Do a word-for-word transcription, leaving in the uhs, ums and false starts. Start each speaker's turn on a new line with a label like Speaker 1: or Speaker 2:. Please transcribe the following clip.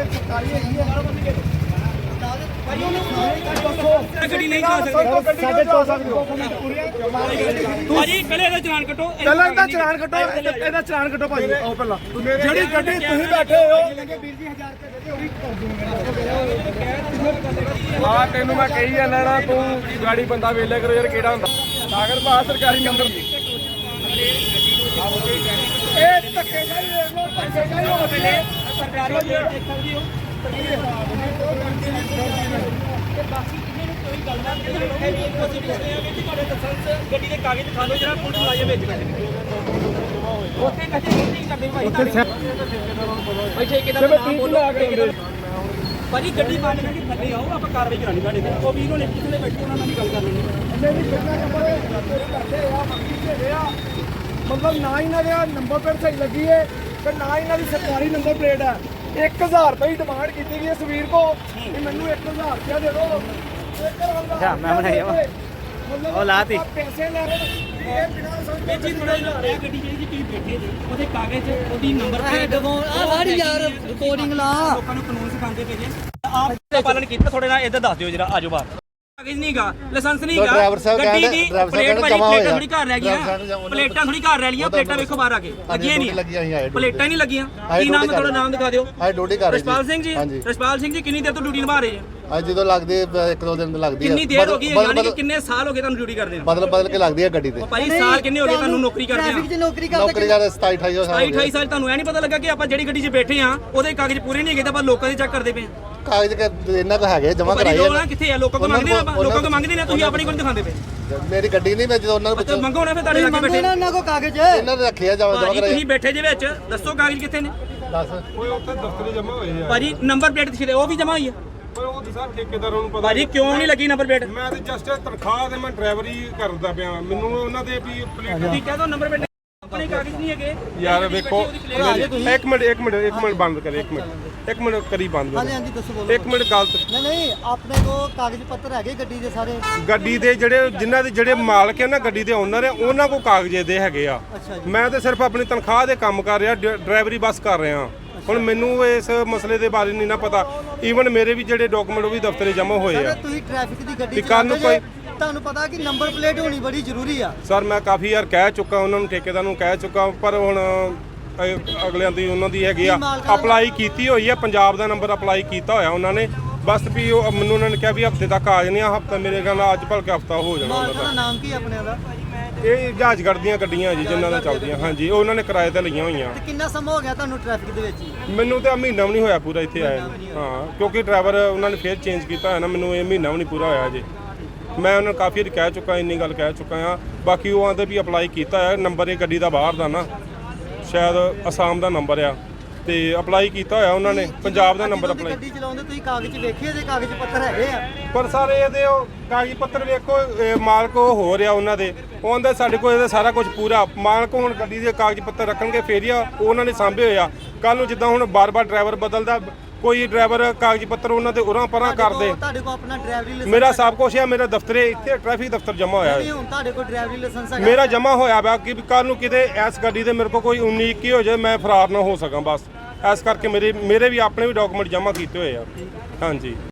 Speaker 1: ਸਰਕਾਰੀ ਹੈਗੀ ਹੈ
Speaker 2: ਗੱਡੀ ਨਹੀਂ ਚਲਾ ਸਕਦੇ
Speaker 1: ਸਾਡੇ ਚੋ ਸਕਦੇ ਹੋ
Speaker 2: ਭਾਜੀ ਪਹਿਲੇ ਇਹਦਾ ਚਲਾਨ ਕੱਟੋ
Speaker 1: ਪਹਿਲਾਂ ਇਹਦਾ ਚਲਾਨ ਕੱਟੋ ਇਹਦਾ ਚਲਾਨ ਕੱਟੋ ਭਾਜੀ ਆਓ ਪਹਿਲਾਂ ਜਿਹੜੀ ਗੱਡੀ ਤੁਸੀਂ ਬੈਠੇ ਹੋ ਵੀਰ ਜੀ ਹਜ਼ਾਰ ਰੁਪਏ ਦੇ ਉਹੀ ਕਰ ਦੂੰਗਾ
Speaker 3: ਹਾਂ ਤੈਨੂੰ ਮੈਂ ਕਹੀ ਜਾਂਦਾ ਨਾ ਤੂੰ ਗਾੜੀ ਬੰਦਾ ਵੇਲੇ ਕਰੋ ਯਾਰ ਕਿਹੜਾ ਹੁੰਦਾ ਸਾਗਰ ਭਾ ਸਰਕਾਰੀ ਨੰਬਰ
Speaker 1: ਇਹ ਧੱਕੇ ਜਾਈ ਦੇਖ ਲੋ ਧੱਕੇ ਜਾਈ ਹੋ ਪਹਿਲੇ
Speaker 2: ਸਰਕਾਰੀ ਦੇਖ ਸਕਦੀ ਹੋ ਬਾਕੀ ਕਿਸੇ ਨੂੰ ਕੋਈ ਗੱਲਬਾਤ ਨਹੀਂ ਹੈ ਵੀ ਕੋਸ਼ਿਸ਼ ਕਰਦੇ ਆ ਕਿ ਤੁਹਾਡੇ ਲਾਇਸੈਂਸ ਗੱਡੀ ਦੇ ਕਾਗਜ਼ ਦਿਖਾ ਦਿਓ ਜਿਹੜਾ ਪੁਲਿਸ ਲਾਇਆ ਵਿੱਚ ਗੱਡੀ ਉੱਥੇ ਕੱਚੇ ਨਹੀਂ ਕਰਦੇ ਭਾਈ ਭਾਈ ਠੇਕੇਦਾਰ ਦਾ ਨਾਮ ਬੋਲੋ ਭਾਜੀ ਗੱਡੀ ਬੰਦ ਕਰਕੇ ਥੱਲੇ ਆਓ ਆਪਾਂ ਕਾਰਵਾਈ ਕਰਾਣੀ ਤੁਹਾਡੇ ਤੇ ਉਹ ਵੀਰੋ ਨੇ ਕਿਸਨੇ ਬੈਠੇ ਉਹਨਾਂ ਨਾਲ ਵੀ ਗੱਲ ਕਰ ਲੈਣੀ
Speaker 1: ਇੰਨੇ ਵੀ ਕਿੰਨਾ ਨੰਬਰ ਕਰਦੇ ਆ ਮੰਗੀ ਦੇ ਆ ਮਤਲਬ ਨਾ ਇਹਨਾਂ ਦੇ ਨੰਬਰ ਪਲੇਟ ਸਹੀ ਲੱਗੀ ਹੈ ਤੇ ਨਾ ਇਹਨਾਂ ਦੀ ਸਰਕਾਰੀ ਨੰਬਰ ਪਲੇਟ ਹੈ ਇੱਕ ਹਜ਼ਾਰ ਰੁਪਏ ਦੀ ਡਿਮਾਂਡ ਕੀਤੀ ਗਈ ਹੈ ਸਵੀਰ ਕੋ ਕਿ ਮੈਨੂੰ ਇੱਕ ਹਜ਼ਾਰ ਰੁਪਏ ਦੇ ਦਿਓ
Speaker 4: ਅੱਛਾ ਮੈਂ ਬਣਾਇਆ ਵਾ ਉਹ ਲਾਤੀ
Speaker 1: ਪੈਸੇ ਲੈ ਰਹੇ ਇਹ ਬਿਨਾਂ ਸਮਝ
Speaker 2: ਜੀ ਥੋੜਾ ਜਿਹਾ ਗੱਡੀ ਜਿਹੜੀ ਤੁਸੀਂ ਬੈਠੇ ਜੀ ਉਹਦੇ ਕਾਗਜ਼ ਉਹਦੀ ਨੰਬਰ ਪਲੇਟ
Speaker 4: ਆ ਸਾਰੀ ਯਾਰ ਰਿਕਾਰਡਿੰਗ ਲਾ
Speaker 2: ਲੋਕਾਂ ਨੂੰ ਕਾਨੂੰਨ ਸਿਖਾਉਂਦੇ ਪਏ ਜੇ ਆਪ ਦਾ ਪਾਲਣ ਕੀਤਾ ਥੋੜੇ ਨਾਲ ਇੱਧਰ ਦੱਸ ਦਿਓ ਜਰਾ ਆਜੋ ਬਾਹਰ ਕਾਗਜ਼ ਨਹੀਂਗਾ ਲਾਇਸੈਂਸ ਨਹੀਂਗਾ ਗੱਡੀ ਦੀ ਪਲੇਟ ਭਾਜੀ ਪਲੇਟਾਂ ਥੋੜੀ ਘਰ ਰਹਿ ਗਈਆਂ ਪਲੇਟਾਂ ਥੋੜੀ ਘਰ ਰਹਿ ਲਈਆਂ ਪਲੇਟਾਂ ਵੇਖੋ ਬਾਹਰ ਆ ਕੇ ਲੱਗੀਆਂ ਨਹੀਂ ਪਲੇਟਾਂ ਹੀ ਨਹੀਂ ਲੱਗੀਆਂ ਕੀ ਨਾਮ ਹੈ ਤੁਹਾਡਾ ਨਾਮ ਦਿਖਾ ਦਿਓ
Speaker 5: ਡਿਊਟੀ ਕਰ ਰਹੀ
Speaker 2: ਰਸ਼ਪਾਲ ਸਿੰਘ ਜੀ ਰਸ਼ਪਾਲ ਸਿੰਘ ਜੀ ਕਿੰਨੀ ਦੇਰ ਤੋਂ ਡਿਊਟੀ ਨਿਭਾ ਰਹੇ ਜੀ
Speaker 5: ਅੱਜ ਜਦੋਂ ਲੱਗਦੀ ਇੱਕ ਦੋ ਦਿਨ ਲੱਗਦੀ ਹੈ
Speaker 2: ਕਿੰਨੀ ਦੇਰ ਹੋ ਗਈ ਯਾਨੀ ਕਿ ਕਿੰਨੇ ਸਾਲ ਹੋ ਗਏ ਤੁਹਾਨੂੰ ਡਿਊਟੀ ਕਰਦੇ ਨੂੰ
Speaker 5: ਬਦਲ ਬਦਲ ਕੇ ਲੱਗਦੀ ਹੈ ਗੱਡੀ ਤੇ
Speaker 2: ਭਾਈ ਸਾਲ ਕਿੰਨੇ ਹੋ ਗਏ ਤੁਹਾਨੂੰ ਨੌਕਰੀ ਕਰਦੇ ਆ
Speaker 4: ਟ੍ਰੈਫਿਕ 'ਚ ਨੌਕਰੀ ਕਰਦੇ
Speaker 5: ਨੌਕਰੀ ਕਰਦੇ ਸਤਾਈ ਅਠਾਈ ਸਾਲ
Speaker 2: ਅਠਾਈ ਅਠਾਈ ਸਾਲ ਤੁਹਾਨੂੰ ਐ ਨਹੀਂ ਪਤਾ ਲੱਗਾ ਕਿ ਆਪਾਂ ਜਿਹੜੀ ਗੱਡੀ 'ਚ ਬੈਠੇ ਆ ਉਹਦੇ ਕਾਗਜ਼ ਪੂਰੇ ਨਹੀਂ ਹੈਗੇ ਤਾਂ ਆਪਾਂ ਲੋਕਾਂ ਦੇ ਚੈੱਕ ਕਰਦੇ ਪਏ ਆ
Speaker 5: ਕਾਗਜ਼ ਇਹਨਾਂ ਕੋ ਹੈਗੇ ਜਮਾ
Speaker 2: ਭਾਈ
Speaker 5: ਕਰਾਈ
Speaker 2: ਲੋਕ ਨਾ ਕਿੱਥੇ ਆ ਲੋਕਾਂ ਕੋ ਮੰਗਦੇ ਆ ਆਪਾਂ ਲੋਕਾਂ ਕੋ ਮੰਗਦੇ ਨੇ ਤੁਸੀਂ ਆਪਣੀ ਕੋਲ ਦਿਖਾਉਂਦੇ ਪਏ
Speaker 5: ਮੇਰੀ ਗੱਡੀ ਨਹੀਂ ਮੈਂ ਜਦੋਂ ਉਹਨਾਂ ਨੂੰ
Speaker 2: ਤੇ ਮੰਗੋ ਨਾ ਫਿਰ ਤੁਹਾਡੇ ਲੱਗੇ ਬੈਠੇ
Speaker 4: ਇਹਨਾਂ ਕੋ ਕਾਗਜ਼
Speaker 5: ਇਹਨਾਂ ਨੇ ਰੱਖਿਆ ਜਮਾ ਜਮਾ
Speaker 2: ਭਾਜੀ
Speaker 5: ਕਰਾਈ
Speaker 2: ਤੁਸੀਂ ਬੈਠੇ ਜੇ ਵਿੱਚ ਦੱਸੋ ਕਾਗਜ਼ ਕਿੱਥੇ ਨੇ
Speaker 5: ਦੱਸ
Speaker 3: ਓਏ ਉੱਥੇ ਦਫ਼ਤਰੀ ਜਮਾ ਹੋਏ ਆ
Speaker 2: ਭਾਜੀ ਨੰਬਰ ਪਲੇਟ ਦਿਖਦੇ ਉਹ ਵੀ ਜਮਾ ਹੋਈ ਆ
Speaker 3: ਪਰ ਉਹ ਤਾਂ ਸਾਰੇ ਠੇਕੇਦਾਰਾਂ ਨੂੰ ਪਤਾ
Speaker 2: ਭਾਜੀ ਕਿਉਂ ਨਹੀਂ ਲੱਗੀ ਨੰਬਰ ਪਲੇਟ
Speaker 3: ਮੈਂ ਤੇ ਜਸਟ ਤਨਖਾਹ ਤੇ ਮੈਂ ਡਰਾਈਵਰੀ ਕਰਦਾ ਪਿਆ ਮੈਨੂੰ ਉਹਨਾਂ ਦੇ ਵੀ ਪਲੇਟ
Speaker 2: ਤੁਸੀਂ ਕਹਿ ਦੋ ਨੰਬਰ ਪਲੇਟ ਆਪਣੇ ਕਾਗਜ਼ ਨਹੀਂ ਹੈਗੇ
Speaker 3: ਯਾਰ ਵੇਖੋ ਇੱਕ ਮਿੰਟ ਇੱਕ ਮਿੰਟ ਇੱਕ ਮਿੰਟ ਬੰਦ ਕਰ ਇੱਕ ਮਿੰਟ ਇੱਕ ਮਿੰਟ ਕਰੀ ਬੰਦ
Speaker 4: ਹਾਂਜੀ ਹਾਂਜੀ ਦੱਸੋ ਬੋਲੋ
Speaker 3: ਇੱਕ ਮਿੰਟ ਗਲਤ
Speaker 4: ਨਹੀਂ ਨਹੀਂ ਆਪਣੇ ਕੋ ਕਾਗਜ਼ ਪੱਤਰ ਹੈਗੇ ਗੱਡੀ ਦੇ ਸਾਰੇ
Speaker 3: ਗੱਡੀ ਦੇ ਜਿਹੜੇ ਜਿਨ੍ਹਾਂ ਦੇ ਜਿਹੜੇ ਮਾਲਕ ਹੈ ਨਾ ਗੱਡੀ ਦੇ ਓਨਰ ਹੈ ਉਹਨਾਂ ਕੋਲ ਕਾਗਜ਼ੇ ਦੇ ਹੈਗੇ ਆ
Speaker 4: ਅੱਛਾ ਜੀ
Speaker 3: ਮੈਂ ਤੇ ਸਿਰਫ ਆਪਣੀ ਤਨਖਾਹ ਦੇ ਕੰਮ ਕਰ ਰਿਹਾ ਡਰਾਈਵਰੀ ਬੱਸ ਕਰ ਰਿਹਾ ਹੁਣ ਮੈਨੂੰ ਇਸ ਮਸਲੇ ਦੇ ਬਾਰੇ ਨਹੀਂ ਨਾ ਪਤਾ ਈਵਨ ਮੇਰੇ ਵੀ ਜਿਹੜੇ ਡਾਕੂਮੈਂਟ ਉਹ ਵੀ ਦਫ਼ਤਰੇ ਜਮ੍ਹਾਂ ਹੋਏ ਆ
Speaker 4: ਤੁਸੀਂ ਟ੍ਰੈਫਿਕ ਦੀ ਗੱਡੀ
Speaker 3: ਵੀ ਕੱਲ੍ਹ ਨੂੰ
Speaker 4: ਚਲਾਉਂਦੇ ਜੇ,
Speaker 3: ਕੋਈ-
Speaker 4: ਤੁਹਾਨੂੰ ਪਤਾ ਕਿ ਨੰਬਰ ਪਲੇਟ ਹੋਣੀ ਬੜੀ ਜ਼ਰੂਰੀ ਆ
Speaker 3: ਸਰ ਮੈਂ ਕਾਫੀ ਵਾਰ ਕਹਿ ਚੁੱਕਾ ਉਹਨਾਂ ਨੂੰ ਠੇਕੇਦਾਰ ਨੂੰ ਕਹਿ ਚੁੱਕਾ ਪਰ ਹੁਣ ਅ- ਅਗਲਿਆਂ ਦੀ ਉਹਨਾਂ ਦੀ ਹੈਗੀ ਆ ਅਪਲਾਈ ਕੀਤੀ ਹੋਈ ਆ ਪੰਜਾਬ ਦਾ ਨੰਬਰ ਅਪਲਾਈ ਕੀਤਾ ਹੋਇਆ ਉਹਨਾਂ ਨੇ ਬਸ ਵੀ ਉਹ ਮੈਨੂੰ ਉਹਨਾਂ ਨੇ ਕਿਹਾ ਵੀ ਹਫਤੇ ਤੱਕ ਆ ਜਾਣੀ ਆ ਹਫਤਾ ਮੇਰੇ ਖਿਆਲ ਨਾਲ ਅੱਜ ਭਲਕੇ ਹਫਤਾ ਹੋ ਜਾਣਾ ਉਹਨਾਂ
Speaker 4: ਮਾਲਕਾਂ ਦਾ
Speaker 3: ਦਾ
Speaker 4: ਨਾਮ ਕੀ ਆਪਣੇ ਦਾ
Speaker 3: ਇਹ ਜਹਾਜ਼ਗੜ੍ਹ ਦੀਆਂ ਗੱਡੀਆਂ ਜੀ ਜਿਨ੍ਹਾਂ ਦਾ ਚੱਲਦੀਆਂ ਹਾਂਜੀ ਉਹ ਉਹਨਾਂ ਨੇ ਕਿਰਾਏ ਤੇ ਲਈਆਂ ਹੋਈਆਂ
Speaker 4: ਤੇ ਕਿੰਨਾ ਸਮਾਂ ਹੋ ਗਿਆ ਤੁਹਾਨੂੰ ਟ੍ਰੈਫਿਕ ਦੇ ਵਿੱਚ ਹੀ
Speaker 3: ਮੈਨੂੰ ਤਾਂ ਮਹੀਨਾ ਵੀ ਨਹੀਂ ਹੋਇਆ ਪੂਰਾ ਇੱਥੇ ਆਇਆ ਨੂੰ। ਹਾਂ ਕਿਉਂਕਿ ਡਰਾਈਵਰ ਉਹਨਾਂ ਨੇ ਫੇਰ ਚੇਂਜ ਕੀਤਾ ਹੋਇਆ ਨਾ ਮੈਨੂੰ ਇਹ ਮਹੀਨਾ ਵੀ ਨਹੀਂ ਪੂਰਾ ਹੋਇਆ ਅਜੇ ਮੈਂ ਉਹਨਾਂ ਨੂੰ ਕਾਫੀ ਵਾਰੀ ਕਹਿ ਚੁੱਕਾ ਇੰਨੀ ਗੱਲ ਕਹਿ ਚੁੱਕਾ ਆ ਬਾਕੀ ਉਹ ਆਂਦੇ ਵੀ ਅਪਲਾਈ ਕੀਤਾ ਹੋਇਆ ਨੰਬਰ ਇਹ ਗੱਡੀ ਦਾ ਬਾਹਰ ਦਾ ਨਾ ਸ਼ਾਇਦ ਅਸਾਮ ਦਾ ਨੰਬਰ ਆ ਤੇ ਅਪਲਾਈ ਕੀਤਾ ਹੋਇਆ ਉਹਨਾਂ ਨੇ ਪੰਜਾਬ ਦਾ ਨੰਬਰ ਅਪਲਾਈ
Speaker 4: ਗੱਡੀ ਚਲਾਉਂਦੇ ਤੁਸੀਂ ਕਾਗਜ਼ ਵੇਖੇ ਜੇ ਕਾਗਜ਼ ਪੱਤਰ ਹੈਗੇ ਆ
Speaker 3: ਪਰ ਸਾਰੇ ਇਹਦੇ ਉਹ ਕਾਗਜ਼ ਪੱਤਰ ਵੇਖੋ ਇਹ ਮਾਲਕ ਉਹ ਹੋ ਰਿਹਾ ਉਹਨਾਂ ਦੇ ਉਹ ਆਂਦੇ ਸਾਡੇ ਕੋਲ ਇਹਦਾ ਸਾਰਾ ਕੁਝ ਪੂਰਾ ਮਾਲਕ ਹੁਣ ਗੱਡੀ ਦੇ ਕਾਗਜ਼ ਪੱਤਰ ਰੱਖਣਗੇ ਫੇਰ ਹੀ ਆ ਉਹਨਾਂ ਨੇ ਸਾਂਭੇ ਹੋਏ ਆ ਕੱਲ ਨੂੰ ਜਿੱਦਾਂ ਹੁਣ ਬਾਰ-ਬਾਰ ਡਰਾਈਵਰ ਬਦਲਦਾ ਕੋਈ ਡਰਾਈਵਰ ਕਾਗਜ਼ ਪੱਤਰ ਉਹਨਾਂ ਦੇ ਉਰਾਂ ਪਰਾਂ ਕਰਦੇ
Speaker 4: ਤੁਹਾਡੇ ਕੋਲ ਆਪਣਾ ਡਰਾਈਵਰੀ ਲਾਇਸੈਂਸ
Speaker 3: ਮੇਰਾ ਸਭ ਕੁਝ ਹੈ ਮੇਰਾ ਦਫ਼ਤਰੇ ਇੱਥੇ ਟ੍ਰੈਫਿਕ ਦਫ਼ਤਰ ਜਮਾ ਹੋਇਆ
Speaker 4: ਨਹੀਂ
Speaker 3: ਹੈ
Speaker 4: ਹੁਣ ਤੁਹਾਡੇ ਕੋਲ ਡਰਾਈਵਰੀ ਲਾਇਸੈਂਸ ਹੈਗਾ
Speaker 3: ਮੇਰਾ ਜਮਾ ਹੋਇਆ ਵਾ ਕਿ ਕੱਲ ਨੂੰ ਕਿਤੇ ਇਸ ਗੱਡੀ ਦੇ ਮੇਰੇ ਕੋਲ ਕੋਈ ਉੱਨੀ ਇੱਕੀ ਹੋ ਜਾਏ ਮੈਂ ਫਰਾਰ ਨਾ ਹੋ ਸਕਾਂ ਬਸ ਇਸ ਕਰਕੇ ਮੇਰੇ ਮੇਰੇ ਵੀ ਆਪਣੇ ਵੀ ਡਾਕੂਮੈਂਟ ਜਮਾ ਕੀਤੇ ਹੋਏ ਆ ਹਾਂਜੀ